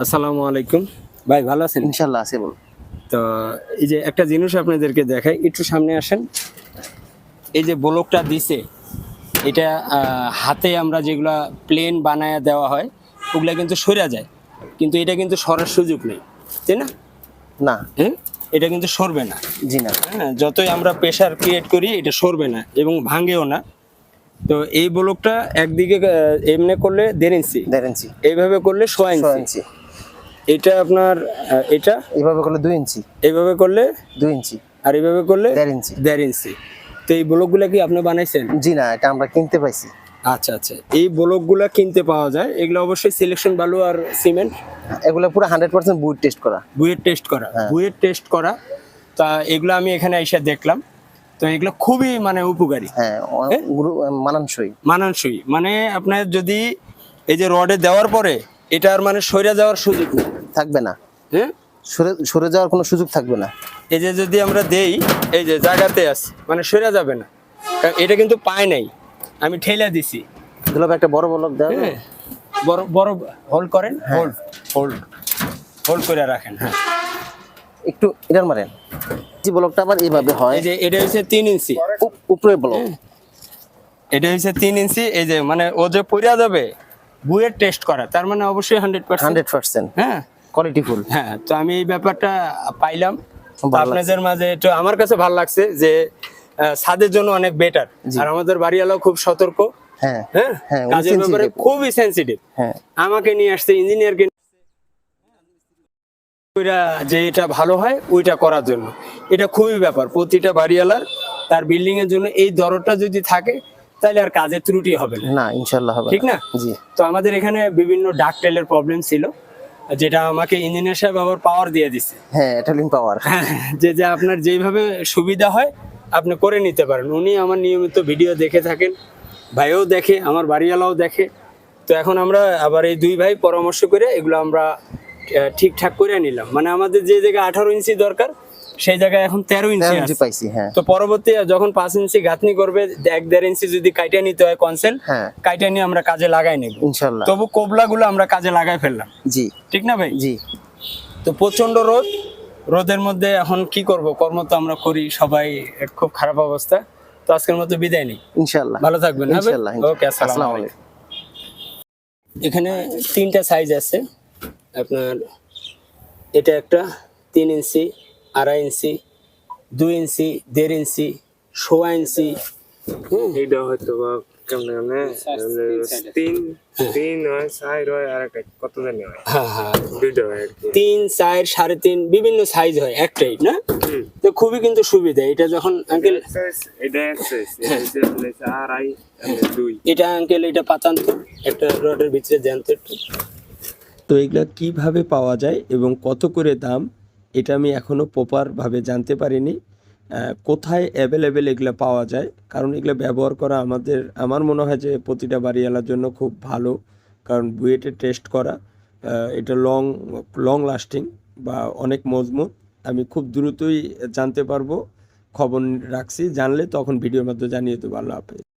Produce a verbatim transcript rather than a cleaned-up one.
আসসালামু আলাইকুম ভাই, ভালো আছেন? ইনশাল্লাহ আছে বল। তো এই যে একটা জিনিস আপনাদেরকে দেখাই, একটু সামনে আসেন। এই যে ব্লকটা দিছে, এটা আহ, হাতে আমরা যেগুলা প্লেন বানায়া দেওয়া হয় ওগুলা কিন্তু সরে যায়, কিন্তু এটা কিন্তু সরার সুযোগ নেই, তাই না? না, হ্যাঁ, এটা কিন্তু সরবে না। জি না। হ্যাঁ, যতই আমরা প্রেশার ক্রিয়েট করি এটা সরবে না এবং ভাঙেও না। তো এই ব্লকটা একদিকে আহ, এমনি করলে দেড় ইঞ্চি, দেড় ইঞ্চি, এইভাবে করলে ছয় ছয় ইঞ্চি। ইঞ্চি, এটা আপনার আহ, এটা এইভাবে করলে দুই ইঞ্চি, এইভাবে করলে দুই ইঞ্চি, আর এইভাবে করলে দেড় ইঞ্চি। দেড় ইঞ্চি। তো এই ব্লকগুলা কি আপনি বানাইছেন? জি না, এটা আমরা কিনতে পাইছি। আচ্ছা আচ্ছা, এই ব্লকগুলা কিনতে পাওয়া যায়। এগুলো অবশ্যই সিলেকশন বালু আর সিমেন্ট, এগুলো পুরো হান্ড্রেড পার্সেন্ট বুট টেস্ট করা। বুয়েট টেস্ট করা, হ্যাঁ। বুয়েট টেস্ট করা। তা এগুলো আমি এখানে এসে দেখলাম, তো এগুলো খুবই মানে উপকারী, হ্যাঁ, হ্যাঁ? গুরু- মানানসই। মানানসই। মানে আপনার যদি এই যে রডে দেওয়ার পরে এটা আর মানে সরে যাওয়ার সুযোগ নেই, থাকবে না, হ্যাঁ। সরে সরে যাওয়ার কোনো সুযোগ থাকবে না। এই যে যদি আমরা দেই, এই যে জায়গাতে আছে মানে সরে যাবে না, কারণ এটা কিন্তু পায় নাই, আমি ঠেলা দিছি। দুলাভাই একটা বড় বলক দেওয়া হ্যাঁ, বড় বড় হোল্ড করেন, হোল্ড হোল্ড হোল্ড করে রাখেন। হ্যাঁ, একটু এটার মারেন। জি, ব্লকটা আবার এইভাবে হয়। এই যে এটা হচ্ছে তিন ইঞ্চি, উপ- উপরে ব্লক। এটা হচ্ছে তিন ইঞ্চি। এই যে মানে ও যে পড়া যাবে বুয়ের টেস্ট করা, তার মানে অবশ্যই হান্ড্রেড পার্সেন্ট হান্ড্রেড পার্সেন্ট হ্যাঁ কোয়ালিটি ফুল। হ্যাঁ। তো আমি এই ব্যাপারটা পাইলাম, তো ভালো আপনাদের মাঝে একটু আমার কাছে ভালো লাগছে যে আহ, ছাদের জন্য অনেক বেটার। জি। আর আমাদের বাড়িওয়ালাও খুব সতর্ক, হ্যাঁ হ্যাঁ, হ্যাঁ, উনি কাজের ব্যাপারে sensitive। খুবই সেন্সিটিভ। হ্যাঁ, আমাকে নিয়ে আসছে ইঞ্জিনিয়ারকে, ওইটা যে এটা ভালো হয় ওইটা করার জন্য। এটা খুবই ব্যাপার প্রতিটা বাড়িওয়ালার, তার বিল্ডিং এর জন্য এই দরদটা যদি থাকে তাহলে আর কাজের ত্রুটি হবে না, না ইনশাল্লাহ হবে। ঠিক না? জি, তো আমাদের এখানে বিভিন্ন ডাকটেলের প্রবলেম ছিল, যেটা আমাকে ইঞ্জিনিয়ার সাহেব আবার পাওয়ার দিয়ে দিছে। হ্যাঁ, এটালিং পাওয়ার। হ্যাঁ, যে যে আপনার যেইভাবে সুবিধা হয় আপনি করে নিতে পারেন। উনি আমার নিয়মিত ভিডিও দেখে থাকেন, ভাইও দেখে, আমার বাড়িওয়ালাও দেখে। তো এখন আমরা আবার এই দুই ভাই পরামর্শ করে এগুলো আমরা আহ, ঠিকঠাক করে নিলাম। মানে আমাদের যে জায়গায় আঠারো ইঞ্চি দরকার সেই জায়গায় এখন তেরো ইঞ্চি তেরো ইঞ্চি আছে। পাইছি। হ্যাঁ, তো পরবর্তী যখন পাঁচ ইঞ্চি গাঁথনি করবে, এক দেড় ইঞ্চি যদি কাইটা নিতে হয় কনসেল, হ্যাঁ কাইটা নিয়ে আমরা কাজে লাগাই নেব ইনশাল্লাহ। তবু কোবলাগুলো আমরা কাজে লাগাই ফেললাম, জি ঠিক না ভাই? জি, তো প্রচন্ড রোদ, রোদের মধ্যে এখন কি করব, কর্ম তো আমরা করি সবাই, খুব খারাপ অবস্থা। তো আজকের মতো বিদায় নেই, ইনশাল্লাহ। ভালো থাকবেন। হ্যাঁ ভাই? ইনশাল্লাহ। ওকে, আসসালামু আসসালামু আলাইকুম। এখানে তিনটা সাইজ আছে আপনার, এটা একটা তিন ইঞ্চি, আড়াই ইঞ্চি, দুই ইঞ্চি, দেড় ইঞ্চি, সোয়া ইঞ্চি। এইটা হয়তো বা কেমনে কেমনে তিন তিন হয় চার হয় আর একটা কত জানি হয় হ্যাঁ হ্যাঁ, দুইটা হয় আর কি। তিন, চার, সাড়ে তিন, বিভিন্ন সাইজ হয় একটাই না। তো খুবই কিন্তু সুবিধা এটা। যখন আঙ্কেল এটা এক্সাইজ এটা আড়াই দুই, এটা আঙ্কেল এটা পাতান তো একটা রডের ভিতরে জ্যান্ত একটু। তো এগুলা কিভাবে পাওয়া যায় এবং কত করে দাম, এটা আমি এখনও প্রপারভাবে জানতে পারিনি। আহ, কোথায় অ্যাভেলেবেল এগুলো পাওয়া যায়, কারণ এগুলো ব্যবহার করা আমাদের, আমার মনে হয় যে প্রতিটা বাড়িওয়ালার জন্য খুব ভালো। কারণ বুয়েটে টেস্ট করা, আহ, এটা লং লং লাস্টিং বা অনেক মজবুত। আমি খুব দ্রুতই জানতে পারবো, খবর রাখছি, জানলে তখন ভিডিওর মধ্যে জানিয়ে দেবো। আল্লাহ হাফেজ।